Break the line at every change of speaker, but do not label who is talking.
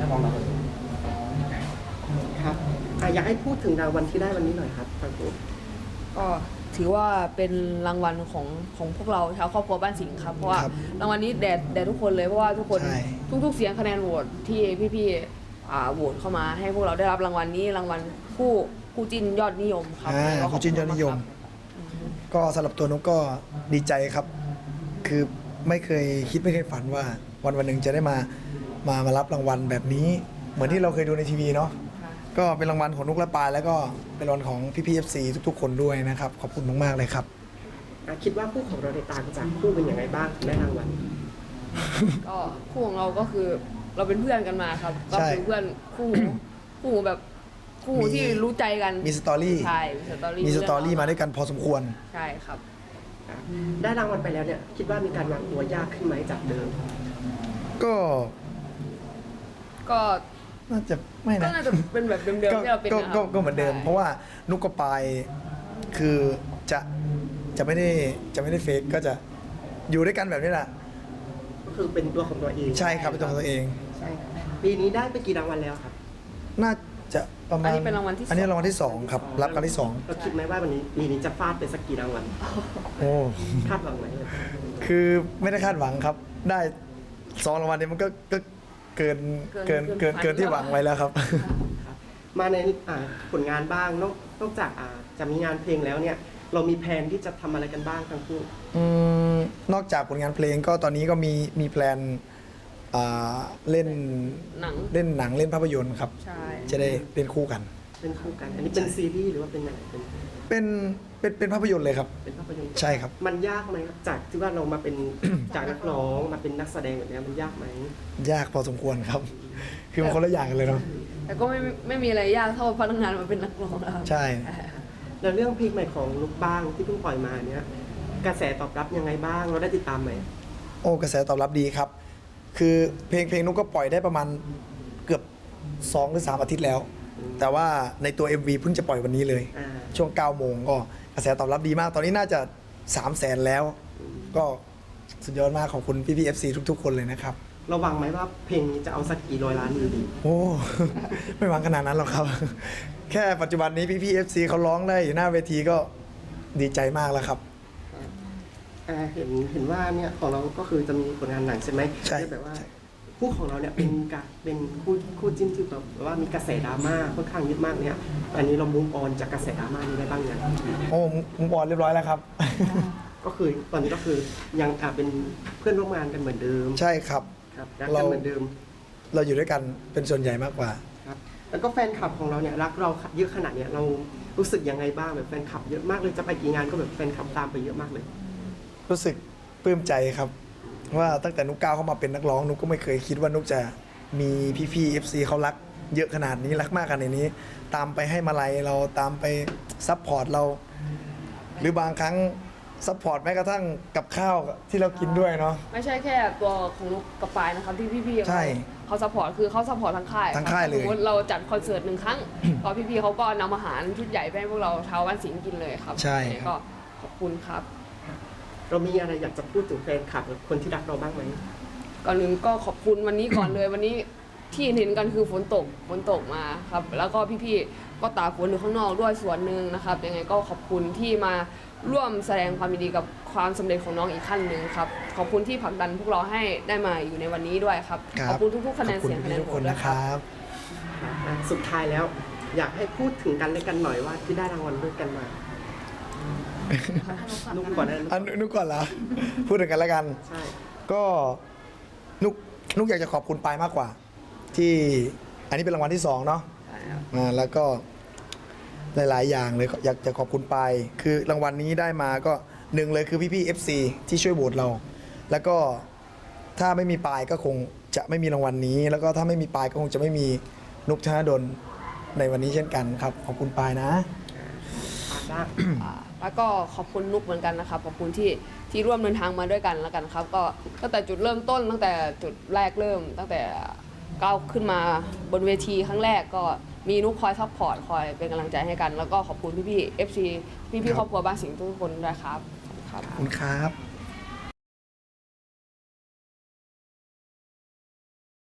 ของเราครับอยากให้พูดถึงรางวัลที่ได้วันนี้หน่อยครับทางผม
ก็ถือว่าเป็นรางวัลของพวกเราชาวครอบครัวบ้านสิงห์ครับเพราะว่ารางวัลนี้แด่ทุกคนเลยเพราะว่าทุกคนทุกเสียงคะแนนโหวตที่พี่ๆโหวตเข้ามาให้พวกเราได้รับรางวัลนี้รางวัลคู่จิ้นยอดนิยมครับ
คู่จิ้นยอดนิยมก็สำหรับตัวนุกก็ดีใจครับคือไม่เคยคิดไม่เคยฝันว่าวันหนึ่งจะได้มารับรางวัลแบบนี้เหมือนที่เราเคยดูในทีวีเนาะก็เป็นรางวัลของนุกและปายแล้วก็เป็นรางวัลของพี่ๆ FC ทุกๆคนด้วยนะครับขอบคุณมากๆเลยครับ
คิดว่าคู่ของเราในต่างจากคู่เป็นยังไงบ้างได้รางวัล
ก็คู่ของเราก็คือเราเป็นเพื่อนกันมาครับก็คือเพื่อนคู่แบบคู่ที่รู้ใจกัน
มีสตอรี่
ใช่
มีสตอรี่มาด้วยกันพอสมควร
ใช่ครับ
ได้รางวัลไปแล้วเนี่ยคิดว่ามีการวางตัวยากขึ้นไหมจากเดิม
ก็น่าจะไม่นะ
ก็น่าจะเป็นแบบเดิมๆที่เราเป็น
ก็เหมือนเดิมเพราะว่านุกกับปายคือจะไม่ได้เฟกก็จะอยู่ด้วยกันแบบนี้แหละ
ก็คือเป็นตัวของตัวเอง
ใช่ครับเป็นตัวของตัวเอง
ใช่ปีนี้ได้ไปกี่รางวัลแล้วครับ
น่าจะประมาณ
อันนี้เป็นรางวัลที่
อันนี้รางวัลที่2ครับรับการที่2
เราคิดไหมว่าวันนี้ปีนี้จะฟาดไปสักกี่รางวัล
โอ้
คาดหวังไหม
คือไม่ได้คาดหวังครับได้2รางวัลนี้มันก็เกินที่หวังไว้แล้วครับ
มาในผลงานบ้างนอกจากจะมีงานเพลงแล้วเนี่ยเรามีแผนที่จะทำอะไรกันบ้างทั้งคู่
นอกจากผลงานเพลงก็ตอนนี้ก็มีแพลนเล่นหนังเล่นภาพยนตร์ครับจะได้เล่นคู่กัน
อันนี้เป็นซีรีส์หรือว่าเป็นอะไร
เป็นภาพยนตร์เลยครับ
เป็นภาพยนตร์
ใช่ครับ
มันยากไหมครับจากที่ว่าเรามาเป็น จากนักร้องมาเป็นนักแสดงแบบนี้มันยากไหม
ยากพอสมควรครับคือมันคนละอย่างกันเลยเนาะ
แต่ก็ไม่มีอะไรยากเท่าพนักงานมาเป็นนักร้องแล้ว
ใช่
แล้วเรื่องเพลงใหม่ของลูกบ้างที่เพิ่งปล่อยมาเนี้ยกระแสตอบรับยังไงบ้างเราได้ติดตามไหม
โอ้กระแสตอบรับดีครับคือเพลงนุกก็ปล่อยได้ประมาณเกือบ2 หรือ 3 อาทิตย์แล้วแต่ว่าในตัว MV เพิ่งจะปล่อยวันนี้เลยช่วง 9 โมงก็กระแสตอบรับดีมากตอนนี้น่าจะ 300,000 แล้วก็สุดยอดมากขอบคุณพี่ๆ FC ทุกๆคนเลยนะครับ
เราหวังไหมว่าเพลงนี้จะเอาสักกี่ร้อยล้านวิวดี
โอ้ไม่หวังขนาดนั้นหรอกครับแค่ปัจจุบันนี้พี่ๆ FC เขาร้องได้อยู่หน้าเวทีก็ดีใจมากแล้วครับ
เห็นว่าเนี่ยของเราก็คือจะมีผลงานหนังใช่ไหม
ใช่
แบบว่าคู่ของเราเนี่ยเป็นคู่จิ้นที่แบบว่ามีกระแสดราม่าค่อนข้างเยอะมากเนี่ยอันนี้เรามุ่งออนจากกระแสดราม่านี้ได้บ้างยัง
โอ้มุ่งออนเรียบร้อยแล้วครับ
ก็คือตอนนี้ก็คือยังเป็นเพื่อนร่วมงานกันเหมือนเดิม
ใช่ครับ
รักกันเหมือนเดิม
เราอยู่ด้วยกันเป็นส่วนใหญ่มากกว่า
ครับแล้วก็แฟนคลับของเราเนี่ยรักเราเยอะขนาดเนี้ยเรารู้สึกยังไงบ้างแบบแฟนคลับเยอะมากเลยจะไปกี่งานก็แบบแฟนคลับตามไปเยอะมากเลย
รู้สึกปลื้มใจครับว่าตั้งแต่นุกก้าวเข้ามาเป็นนักร้องนุกก็ไม่เคยคิดว่านุกจะมีพี่ๆ FC เขารักเยอะขนาดนี้รักมากขนาดนี้ตามไปให้มาลัยเราตามไปซัพพอร์ตเราหรือบางครั้งซัพพอร์ตแม้กระทั่งกับข้าวที่เรากินด้วยเนาะ
ไม่ใช่แค่ตัวของนุกกับปายนะครับที่พี่ๆเขาซัพพอร์ตคือเขาซัพพอร์ตทั้งค่าย
เลย
สมมติเราจัดคอนเสิร์ต1 ครั้งก็พี่ๆเขาก็นำอาหารชุดใหญ่ไปให้พวกเราชาวบ้านสิงห์กินเลยครับ
ใช่
ก็ขอบคุณครับ
เรามีอะไรอยากจะพูดถึงแฟนคลับหรือคนที่รักเราบ้างไหม
ก่อนหนึ่งก็ขอบคุณวันนี้ก่อนเลยวันนี้ที่เห็นกันคือฝนตกมาครับแล้วก็พี่ๆก็ตากฝนอยู่ข้างนอกด้วยส่วนหนึ่งนะครับยังไงก็ขอบคุณที่มาร่วมแสดงความยินดีกับความสำเร็จของน้องอีกขั้นหนึ่งครับขอบคุณที่ผลักดันพวกเราให้ได้มาอยู่ในวันนี้ด้วยครับขอบคุณทุกๆคะแนนเสียงคะแนนโหวตด้วยครับ
สุดท้ายแล้วอยากให้พูดถึงกันและกันหน่อยว่าที่ได้รางวัลด้วยกันมานุกก่อนนะ
นุกก่อนเหรอพูดถึงกันแล้วกัน
ใช่
ก็นุกอยากจะขอบคุณปายมากกว่าที่อันนี้เป็นรางวัลที่2เนาะแล้วก็หลายๆอย่างเลยอยากจะขอบคุณปายคือรางวัลนี้ได้มาก็1เลยคือพี่ๆ FC ที่ช่วยโหวตเราแล้วก็ถ้าไม่มีปายก็คงจะไม่มีรางวัลนี้แล้วก็ถ้าไม่มีปายก็คงจะไม่มีนุกธนดลในวันนี้เช่นกันครับขอบคุณปายนะ
แล้วก็ขอบคุณนุกเหมือนกันนะครับขอบคุณที่ร่วมเดินทางมาด้วยกันแล้วกันครับก็ตั้งแต่จุดเริ่มต้นตั้งแต่จุดแรกเริ่มตั้งแต่ก้าวขึ้นมาบนเวทีครั้งแรกก็มีนุกคอยซัพพอร์ตคอยเป็นกำลังใจให้กันแล้วก็ขอบคุณพี่ๆ FC พี่ๆครอบครัวบ้านสิงห์ทุกคนด้วยครับ
ขอบคุณครับ